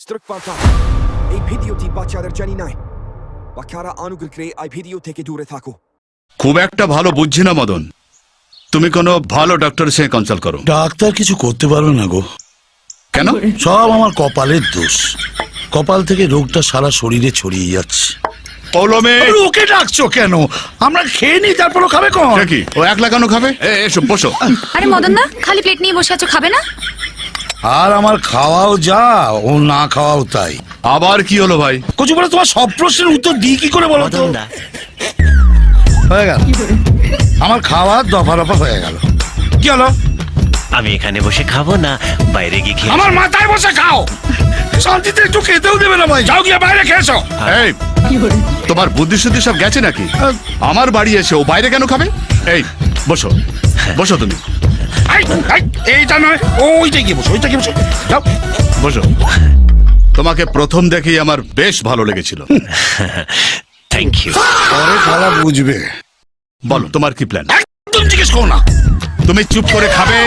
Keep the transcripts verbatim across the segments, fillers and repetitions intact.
Strukpanta. এই ভিডিওটি বাচ্চাদের জানি নাই। বাচ্চারা অনুগ্রহ করে এই ভিডিও থেকে দূরে থাকো। খুব একটা ভালো বুঝছি না মদন, তুমি কোনো ভালো ডাক্তারের সঙ্গে কনসাল্ট করো। ডাক্তার কিছু করতে পারবে না গো। কেন? সব আমার কপালের দোষ। কপাল থেকে রোগটা সারা শরীরে ছড়িয়ে যাচ্ছে। পৌলমে ওকে ডাকছো কেন? আমরা খেয়ে নি, তারপরও খাবে কোন? কি ও একলা কেন খাবে? এসো বসো। আরে মদন দা, খালি প্লেট নিয়ে বসে আছো, খাবে না? আর আমার খাওয়াও যা, ও না খাওয়াও তাই। আবার কি হলো ভাই? কচু বলে তোমার সব প্রশ্নের উত্তর দিই কি করে বলো তো? হয়ে গেল আমার খাওয়া, দফা রফা হয়ে গেল। কি হলো? আমি এখানে বসে খাবো না বাইরে গিয়ে খেয়ে? আমার মাথায় বসে খাও, শান্তিতে একটু খেতেও দেবে না ভাই। যাও গিয়ে বাইরে খেয়েছো। এই তোমার বুদ্ধি শুদ্ধি সব গেছে নাকি? আমার বাড়ি এসে ও বাইরে কেন খাবে? এই বসো বসো তুমি। এই, এই, এইটা নয়, ওইটা গিয়ে বসো, ওইটা গিয়ে বসো। যাও বসো। তোমাকে প্রথম দেখেই আমার বেশ ভালো লেগেছিল। Thank you. পরে খালা বুঝবে। বলো তোমার কি প্ল্যান? একদম জিজ্ঞেস করো না। তুমি চুপ করে খাবে।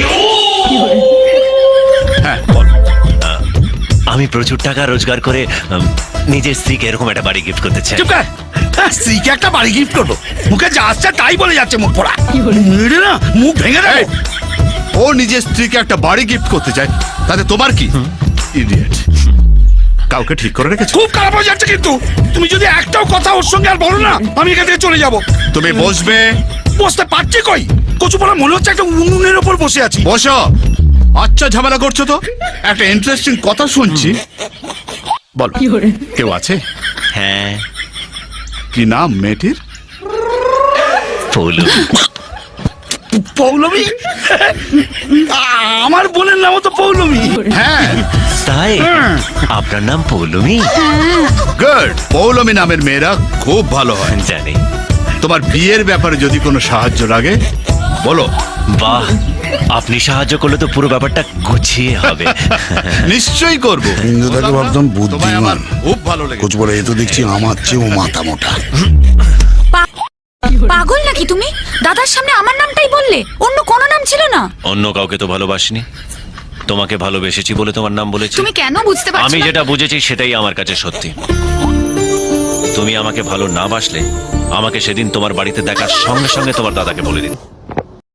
হ্যাঁ বলো। আমি প্রচুর টাকা রোজগার করে উম, নিজের স্ত্রীকে এরকম একটা বাড়ি গিফট করতে চাই। চুপ কর। হ্যাঁ, স্ত্রীকে একটা বাড়ি গিফট করবো। মুখে যা আসছে তাই বলে যাচ্ছে, মুখ পড়া। মেরে না মুখ ভেঙে দেয়। এই, ও নিজের স্ত্রীকে একটা বাড়ি গিফট করতে চায়, তাতে তোমার কি? ইডিয়েট। কাউকে ঠিক করে রেখেছো? খুব খারাপ হয়ে যাচ্ছে কিন্তু। তুমি যদি একটাও কথা ওর সঙ্গে আর বলো না, আমি এখান থেকে চলে যাবো। তুমি বসবে। বসতে পারছি কই? কচু পড়া মনে হচ্ছে একটা উনুনের ওপর বসে আছি। বসো। আচ্ছা ঝামেলা করছো তো। একটা ইন্টারেস্টিং কথা শুনছি। বলো কেউ আছে? হ্যাঁ, কি নাম মেয়েটির? পৌলুমি। পৌলমী? আমার বোনের নামও তো পৌলমী। হ্যাঁ তাই আপনার নাম পৌলুমি? গুড। পৌলমী নামের মেয়েরা খুব ভালো হয়। জানি। তোমার বিয়ের ব্যাপারে যদি কোনো সাহায্য লাগে বলো। বাহ, আপনি সাহায্য করলে তো পুরো ব্যাপারটা গুছিয়ে হবে। নিশ্চয়ই করবো। ইন্দুদাকে ভাবতাম তোমায় আমার বুদ্ধিমান। খুব ভালো লেগেছে। কচু পড়া এ তো দেখছি আমার চেয়েও মাথা মোটা। পাগল নাকি তুমি? দাদার সামনে আমার নামটাই বললে, অন্য কোনো নাম ছিল না? অন্য কাউকে তো ভালোবাসিনি, তোমাকে ভালোবেসেছি বলে তোমার নাম বলেছি। তুমি কেন বুঝতে পারছো আমি না? যেটা বুঝেছি সেটাই আমার কাছে সত্যি। তুমি আমাকে ভালো না বাসলে আমাকে সেদিন তোমার বাড়িতে দেখার সঙ্গে সঙ্গে তোমার দাদাকে বলে দিন।